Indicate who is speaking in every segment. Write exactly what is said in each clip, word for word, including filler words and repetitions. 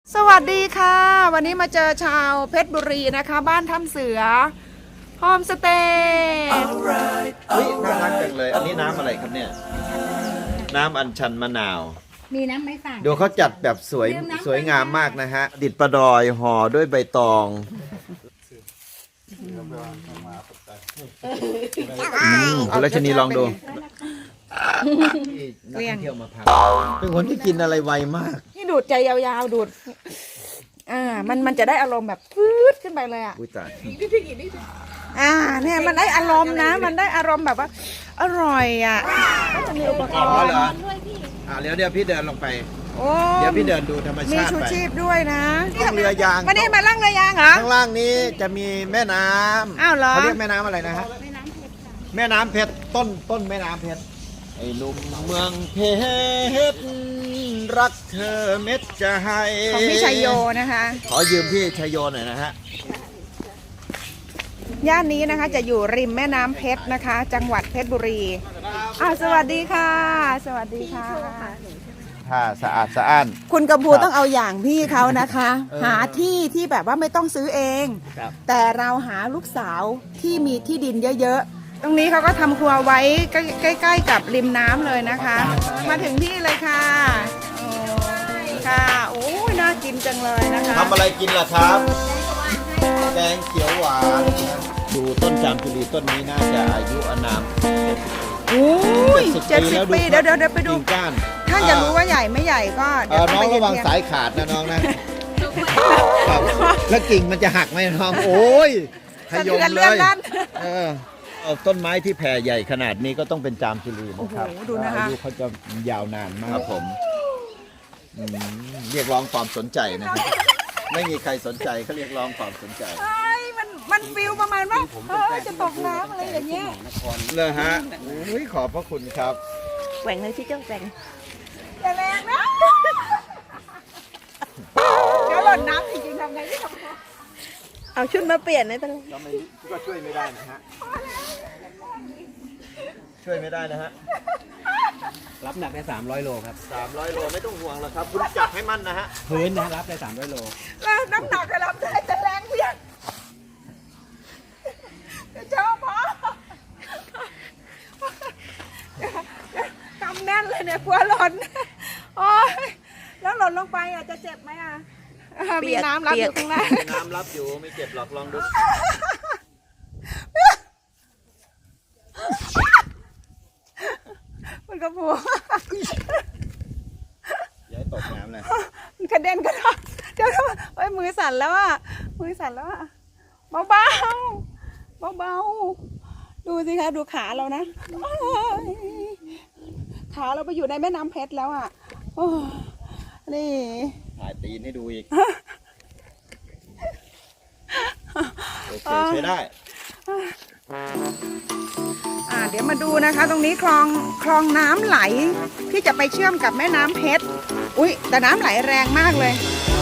Speaker 1: สวัสดีค่ะวันนี้มาเจอชาวเพชรบุรีนะคะบ้านถ้ำเสือโฮมสเตย์
Speaker 2: เฮ้ยน่ารักจังเลย อันนี้น้ำอะไรครับเนี่ย น้ำอัญชันมะนาว
Speaker 3: มีน้ำไม่ฝาด
Speaker 2: ดูเขาจัดแบบสวยสวยงามมากนะฮะ ดิดประดอยห่อด้วยใบตองคุณรัชนีลองดูนักท่องเที่ยวมาพักเป็นคนที่กินอะไรไวมาก
Speaker 1: นี่ดูดใจยาวๆดูดอ่ามันมันจะได้อารมณ์แบบฟืดขึ้นไปเลยอ่ะ
Speaker 2: อุ้ยตาย
Speaker 1: อ่าเนี่ยมันได้อารมณ์นะ มันได้อารมณ์แบบว่าอร่อยอ่ะก็จะมีอุปก
Speaker 2: อ๋อ
Speaker 1: รณ์
Speaker 2: เหรออ่าเดี๋ยวเดี๋ยวพี่เดินลงไป
Speaker 1: โอ้
Speaker 2: เดี๋ยวพี่เดินดูธรรม
Speaker 1: มี
Speaker 2: ชาติ
Speaker 1: ชู
Speaker 2: ไป
Speaker 1: ชีพด้วยนะ
Speaker 2: ล่องเรือยาง
Speaker 1: มานี่มาล่องเรือยางเหรอ
Speaker 2: ข้างล่างนี้จะมีแม่น้ำ
Speaker 1: อ้าวเหรอ
Speaker 2: เขาเรียกแม่น้ำอะไรนะฮะ
Speaker 3: แม่น้ำเพชรค่ะ
Speaker 2: แม่น้ำเพชรต้นต้นแม่น้ำเพชรไอ้หนุ่มเมืองเพชรรักเธอเม็ดจะให้
Speaker 1: ของพี่ชัยโยนะคะ
Speaker 2: ขอยืมพี่ชัยโยหน่อยนะฮะ
Speaker 1: ย่านนี้นะคะจะอยู่ริมแม่น้ำเพชรนะคะ จังหวัดเพชรบุรีอ้าวสวัสดีค่ะ สวัสดีค่ะ
Speaker 2: ถ้าสะอาดสะอ้าน
Speaker 1: คุณกำพูต้องเอาอย่างพี่เขานะคะ หาที่ที่แบบว่าไม่ต้องซื้อเอง
Speaker 2: ครับ
Speaker 1: แต่เราหาลูกสาวที่มีที่ดินเยอะๆ ตรงนี้เขาก็ทำครัวไว้ใกล้ๆกับริมน้ำเลยนะคะ มาถึงที่เลยค่ะโอ้ค่ะโอ้ยน่ากินจังเลยนะคะ
Speaker 2: ทำอะไรกินล่ะครับ แกงเขียวหวานดูต้นจามจุรีต้นนี้น่าจะอายุอานาม
Speaker 1: โอ้ยเจ็ดสิบปีเดี๋ยวเดี๋ยวเดี๋ยวไปดู
Speaker 2: กิ่งก้าน
Speaker 1: ถ้าอยากรู้ว่าใหญ่ไม่ใหญ่ก็
Speaker 2: เอ
Speaker 1: เดี๋ยว
Speaker 2: อ
Speaker 1: ต้
Speaker 2: น้
Speaker 1: อง
Speaker 2: อง
Speaker 1: ไป
Speaker 2: ระวัง
Speaker 1: เทียบ
Speaker 2: สายขาดนะน้องนะครับแล้วกิ่งมันจะหักไหมน้องโอ้ยขยม
Speaker 1: สะเทือน
Speaker 2: เล
Speaker 1: เลื่อน
Speaker 2: ย
Speaker 1: ลั่น
Speaker 2: เออเอาต้นไม้ที่แผ่ใหญ่ขนาดนี้ก็ต้องเป็นจามจุรีนะครับ
Speaker 1: โอ้โหดูนะคะ
Speaker 2: อายุเขาจะยาวนานมากครับผมอืมเรียกร้องความสนใจนะครับไม่มีใครสนใจเขาเรียกร้องความสนใจ
Speaker 1: ใช่มันมันฟิลประมาณว่าเออจะตกน้ำอะไรอย่างเงี้ย
Speaker 2: เลยฮะอุ้ยขอบพระคุณครับ
Speaker 3: แหว่งเลยที่เจ้าแหว่ง
Speaker 1: อย่าแรงนะเดี๋ยวหล่นน้ำจริงๆทำไงที่ทำไง
Speaker 3: เอาชุดมาเปลี่ยนไม่เป็นไร
Speaker 2: ก็ไม่ก็ช่วยไม่ได้นะฮะช่วยไม่ได้นะฮะ
Speaker 4: รับหนักได้สามร้อยโลครับ
Speaker 2: สามร้อยโลไม่ต้องห่วงหรอกครับคุณจับให้มั่นนะฮะ
Speaker 4: พื้นนะรับได้สามร้อยโล
Speaker 1: แล้วน้ำหนักจะรับได้แต่แรงเพียงเดี๋ยวเจ้าพอกำแน่นเลยเนี่ยกลัวหล่นโอ้ยแล้วหล่นลงไปอ่ะจะเจ็บไหมอ่ะมีน้ำรับอยู่ข้างล่าง
Speaker 2: มีน้ำรับอยู่ไม่เจ็บหรอกลองดู
Speaker 1: มันก็พู
Speaker 2: อย่าให้ตกน้ำเลย
Speaker 1: มันกระเด็นกระดอนเดี๋ยวเอ้ยมือสั่นแล้วอ่ะมือสั่นแล้วอ่ะเบาเบาเบาเบาๆดูสิคะดูขาเรานะโอ้ยขาเราไปอยู่ในแม่น้ำเพชรแล้วอ่ะโอ้ยนี่
Speaker 2: ถ่ายตีนให้ดูอีกโอเคใช้ได้
Speaker 1: อ่าเดี๋ยวมาดูนะคะ ตรงนี้คลองคลองน้ำไหลที่จะไปเชื่อมกับแม่น้ำเพชรอุ้ยแต่น้ำไหลแรงมากเลย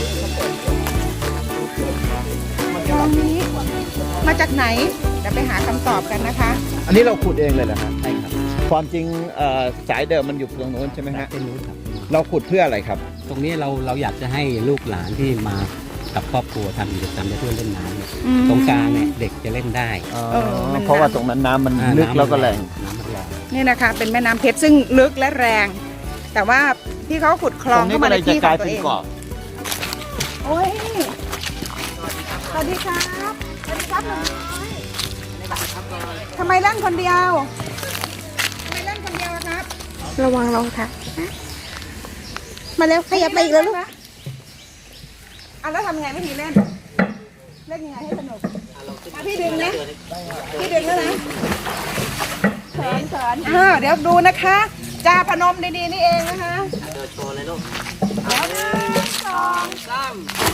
Speaker 1: คลองนี้มาจากไหนเดี๋ยวไปหาคำตอบกันนะคะ
Speaker 2: อันนี้เราขุดเองเลยเหรอฮะ
Speaker 4: ใช่ครับ
Speaker 2: ความจริงเอ่อสายเดิมมันอยู่ตรงโน้นใช่ไหมฮะ
Speaker 4: เป็นรู้ครับ
Speaker 2: เราขุดเพื่ออะไรครับ
Speaker 4: ตรงนี้เราเราอยากจะให้ลูกหลานที่มากับครอบครัวทำกิจกรรมในเพื่อนเล่นน้ำเนี่ย
Speaker 1: อืม
Speaker 4: ตรงกลางเนี่ยเด็กจะเล่นได้
Speaker 1: เออมัน
Speaker 2: เพราะว่าตรงนั้นน้ำมัน
Speaker 4: อ่า
Speaker 2: ลึก
Speaker 4: น้ำ
Speaker 2: แล้วก็แรง
Speaker 4: น้ำมันแรง
Speaker 1: นี่นะคะเป็นแม่น้ำเพชรซึ่งลึกและแรง แต่ว่าที่เขาขุดคลองเข้ามาในที่ของตัวเองโอ้ยสวัสดีครับสวัสดีครับหนุ่มน้อยทำไมเล่นคนเดียวทำไมเล่นคนเดียวอะครับ
Speaker 3: ระวังรองค่ะ มาเร็วขยับไปอีกแล้วลูก
Speaker 1: อ่ะแล้วทำไงไม่ทีเล่น เล่นยังไงให้สนุกอ่ะพี่ดึงนะพี่ดึงแล้วนะเขินเขินอ่าเดี๋ยวดูนะคะจาพนมดีๆนี่เองนะคะเดินโชว์เลยลูกเดี๋ยวหนึ่งสองสาม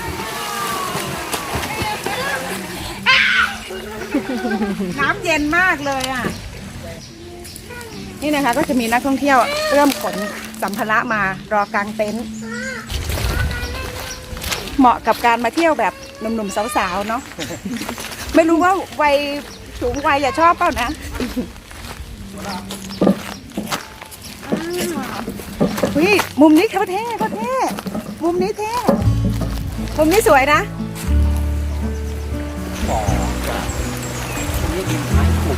Speaker 1: น้ำเย็นมากเลยอ่ะ นี่นะคะก็จะมีนักท่องเที่ยวเริ่มขนสัมภาระมารอกางเต็นท์เหมาะกับการมาเที่ยวแบบหนุ่มๆสาวๆเนาะ ไม่รู้ว่าวัยสูงวัยอย่าชอบเปล่านะอ้าวเฮ้ยมุมนี้เขาเท่เขาเท่มุมนี้เท่มุมนี้สวยนะ
Speaker 4: บ่อนี่ดินไม้ขุ่น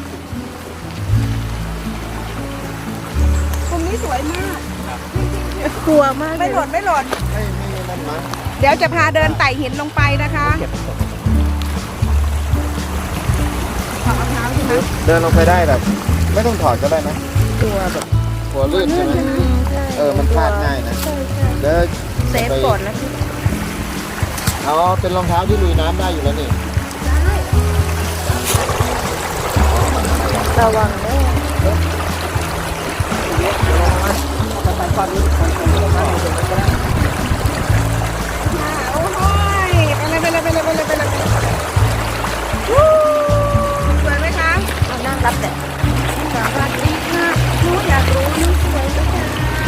Speaker 1: มุมนี้สวยมาก
Speaker 3: กลัวมากเล
Speaker 1: ไม่
Speaker 3: ย
Speaker 1: หล่นไม่หล่น
Speaker 2: ไม่ไม่นั่นนะ
Speaker 1: เดี๋ยวจะพาเดินไต่หินลงไปนะคะ
Speaker 4: เก็บตก
Speaker 1: ถอดรองเท้าใช่ไหม
Speaker 2: เดินลงไปได้แบบไม่ต้องถอดก็ได้นะ
Speaker 3: กลัวแบบ
Speaker 2: กลัวลื่นใช่ไหม
Speaker 3: ใช่
Speaker 2: เออมันพลาดง่ายนะ
Speaker 3: ใช่ใช่
Speaker 2: เดิน
Speaker 3: เซฟก่อนนะพี่
Speaker 2: อ๋อเป็นรองเท้าที่ลุยน้ำได้อยู่แล้วนี่
Speaker 3: ระวังเด้อ
Speaker 1: โอ้ยไปเลยไปเลยไปเลยไปเลยไปเลยวู้สวยไหมคะ
Speaker 3: เอานั่งรับแต่
Speaker 1: สวัสดีค่ะหนูอยากรู้หนูสวยไหมคะ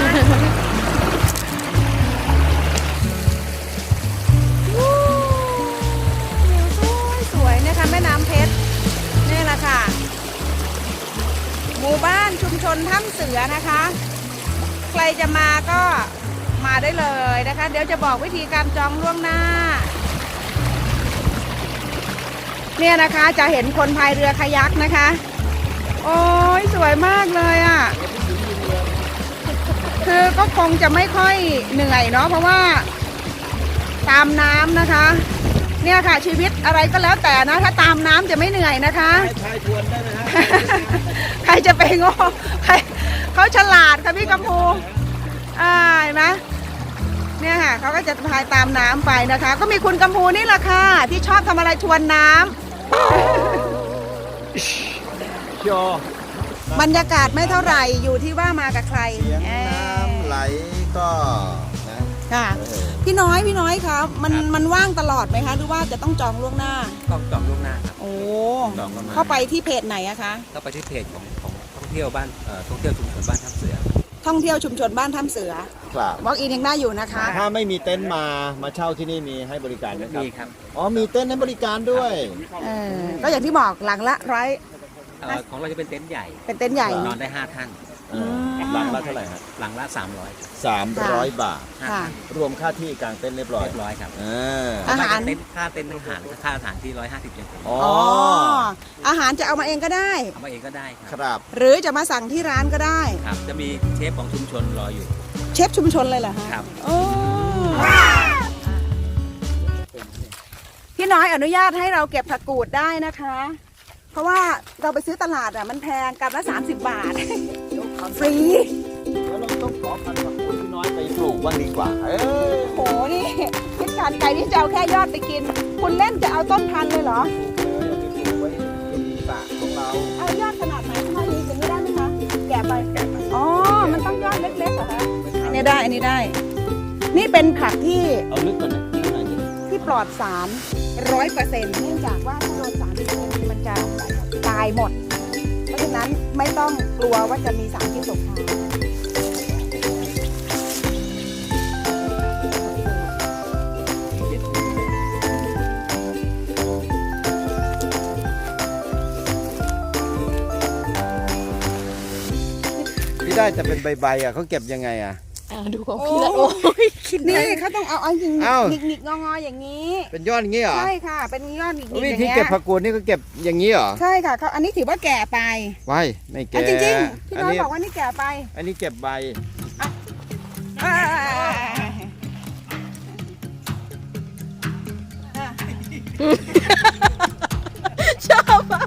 Speaker 1: วู้วิวสวยสวยนะคะแม่น้ำเพชรนี่แหละค่ะ หมู่บ้านชุมชนถ้ำเสือนะคะ ใครจะมาก็มาได้เลยนะคะ เดี๋ยวจะบอกวิธีการจองล่วงหน้า เนี่ยนะคะจะเห็นคนพายเรือคายักนะคะ โอ้ยสวยมากเลยอ่ะ คือก็คงจะไม่ค่อยเหนื่อยเนาะเพราะว่าตามน้ำนะคะ เนี่ยค่ะชีวิตอะไรก็แล้วแต่นะถ้าตามน้ำจะไม่เหนื่อยนะคะ
Speaker 2: ชายทวนได้ไหมฮะ
Speaker 1: ใครจะไปโง่ใครเขาฉลาดค่ะพี่กัมพูอ่าเห็นไหมเนี่ยค่ะเขาก็จะพายตามน้ำไปนะคะ ก็มีคุณกัมพูนี่แหละค่ะที่ชอบทำอะไรทวนน้ำ
Speaker 2: โย
Speaker 1: บรรยากาศไม่เท่าไหร่อยู่ที่ว่ามากับใคร
Speaker 2: เสียง
Speaker 1: เอ้ย
Speaker 2: น้ำไหลก็นะ
Speaker 1: ค่ะ
Speaker 2: เออ
Speaker 1: พี่น้อยพี่น้อยครับมันมันว่างตลอดไหมคะหรือว่าจะต้องจองล่วงหน้า
Speaker 4: ต้องจองล่วงหน้าครับ
Speaker 1: โอ้
Speaker 4: จองล่วงหน้า
Speaker 1: เข้าไปที่เพจไหนอะคะ
Speaker 4: เข้าไปที่เพจของของท่องเที่ยวบ้านเอ่อท่องเที่ยวชุมชนบ้านท่าเสือ
Speaker 1: ท่องเที่ยวชุมชนบ้านถ้ำเสือ
Speaker 2: ครับ
Speaker 1: วอล์กอินยังได้อยู่นะคะ
Speaker 2: ถ้าไม่มีเต็นท์มามาเช่าที่นี่มีให้บริการไหมครับ
Speaker 4: มีครับ
Speaker 2: อ๋อมีเต็นท์ให้บริการด้วย
Speaker 1: เออก็อย่างที่บอกหลังละร้อย
Speaker 4: เอ่อของเราจะเป็นเต็นท์ใหญ่
Speaker 1: เป็นเต็นท์ใหญ่
Speaker 4: นอนได้ห้าท่าน
Speaker 2: เออหลังละเท่าไหร่ฮะ
Speaker 4: หลังละสามร้อย
Speaker 2: สามร้อยบาท
Speaker 4: ห้า
Speaker 1: ค่ะ
Speaker 4: ท่าน
Speaker 2: รวมค่าที่กลางเต็นท์เรียบร้อย
Speaker 4: เรียบร้อยครับ
Speaker 2: เออ
Speaker 1: อาหาร
Speaker 4: เต็นท์ค่าเต็นท์อาหารค่าอาหารที่ร้อยห้าสิบเยน
Speaker 2: อ๋อ
Speaker 1: อ๋ออาหารจะเอามาเองก็ได้
Speaker 4: เอามาเองก็ได้ค
Speaker 2: ครับ รับ
Speaker 1: หรือจะมาสั่งที่ร้านก็ได้
Speaker 4: ครับ จะมีเชฟของชุมชนรออยู่
Speaker 1: เชฟชุมชนเลยเหรอฮะ
Speaker 4: ครับ
Speaker 1: โอ้พี่น้อยอนุญาตให้เราเก็บผักกูดได้นะคะ เพราะว่าเราไปซื้อตลาดอ่ะมันแพงกรัมละสามสิบบาท ฟรี
Speaker 2: แล้วเราต้องขอพันธุ์ผักกูดที่น้อยไปปลูกบ้างดีกว่า เออ
Speaker 1: โหนี่คิดการไกลที่จะเอาแค่ยอดไปกิน คุณเล่นจะเอาต้นพันธุ์เลยเหรอ
Speaker 2: ปลูกเลยเอาไปปลูกไว้ที่สระของเรา
Speaker 1: เอายอดขนาดไหนเท่านี้จะไม่ได้ไหมคะ แกะไปแกะไปอ๋อ มันต้องยอดเล็กๆเหรอคะอันนี้ได้ อันนี้ได้ นี่เป็นผักที่
Speaker 2: เอาลึกกว่านี้ข้างในดิ
Speaker 1: ที่ปลอดสารร้อยเปอร์เซ็นต์เนื่องจากว่าถ้าโดนสารพิษมันจะตายหมด เพราะฉะนั้นไม่ต้องกลัวว่าจะมีสารพิษตกค้าง
Speaker 2: พี่ได้แต่เป็นใบๆอ่ะเขาเก็บยังไงอ่ะ
Speaker 3: อ่าดูของพี่ละโอ้ยคิด
Speaker 1: นี่
Speaker 3: นี่
Speaker 1: เขาต้องเอาเอาหงิก
Speaker 2: เอ้า
Speaker 1: หงิกหงิกงองออย่างนี้
Speaker 2: เป็นยอดอย่างงี้เหรอ
Speaker 1: ใช่ค่ะ เป็นยอดหงิกหงิก
Speaker 2: วิ
Speaker 1: อย่าง
Speaker 2: ธี
Speaker 1: เงี้ย
Speaker 2: เก็บผักกูดนี่ก็เก็บอย่างนี้เหรอ
Speaker 1: ใช่ค่ะเขาอันนี้ถือว่าแก่ไป
Speaker 2: ไว้ไม่แก่
Speaker 1: อ่ะจริงๆพี่
Speaker 2: อัน
Speaker 1: น้อย
Speaker 2: นี้
Speaker 1: บอกว่านี่แก่ไป
Speaker 2: อันนี้เก็บใบ
Speaker 1: อ่า
Speaker 3: ชอบอ่ะ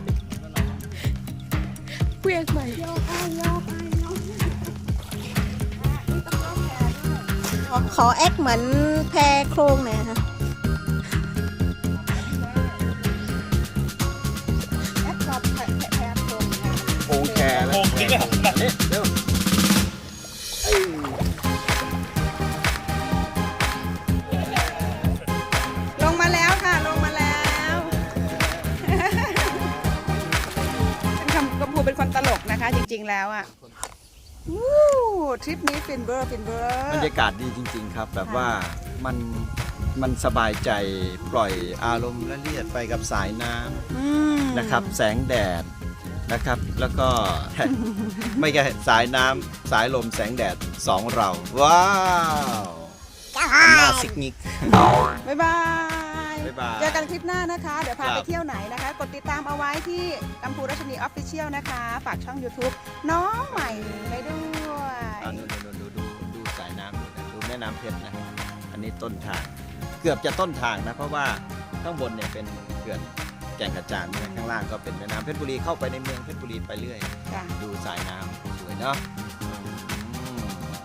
Speaker 3: เวียงใหม่
Speaker 1: โยกไปโยกไปโยกไปอ่ะนี่ต้องยกแขนด้วย
Speaker 3: ขอขอแอคเหมือนแพรโครงหน่อยนะคะ
Speaker 1: แอปกับแผลแผลโครงนะ
Speaker 2: โป่งแคร์แล้วโป่งจริงเหรอนี่เร็วเอ้ย
Speaker 1: ลงมาแล้วค่ะ ลงมาแล้ว ฉันคำกระพูเป็นคนตลกนะคะ จริงๆแล้วอ่ะวู้ทริปนี้ฟินเบอร์ฟินเบอบ
Speaker 2: ร
Speaker 1: ร์
Speaker 2: รยากาศดีจริง ๆ ครับ แบบว่ามันมันสบายใจปล่อยอารมณ์ละเลียดไปกับสายน้
Speaker 1: อืม
Speaker 2: ำนะครับ แสงแดดนะครับ แล้วก็ ไม่ใช่สายน้ำสายลมแสงแดดสองเรา ว้าวหน้าซิกนิก
Speaker 1: บ๊ายบาย
Speaker 2: บ๊ายบาย
Speaker 1: เจอกันคลิปหน้านะคะ เดี๋ยวพา
Speaker 2: ครั
Speaker 1: ไป
Speaker 2: บ
Speaker 1: เที่ยวไหนนะคะ กดติดตามเอาไว้ที่กัมพูรัชนีออฟฟิเชียลนะคะ ฝากช่อง YouTube น้องใหม่ไปด้วย
Speaker 2: อ่าดูดูดูดูดูสายน้ำดูนะดูแม่น้ำเพชรนะ อันนี้ต้นทาง เกือบจะต้นทางนะ เพราะว่าข้างบนเนี่ยเป็นเขื่อนแก่งกระจานนะข้างล่างก็เป็นแม่น้ำเพชรบุรีเข้าไปในเมืองเพชรบุรีไปเรื่อย
Speaker 1: จ้ะ
Speaker 2: ดูสายน้ำสวยเนาะ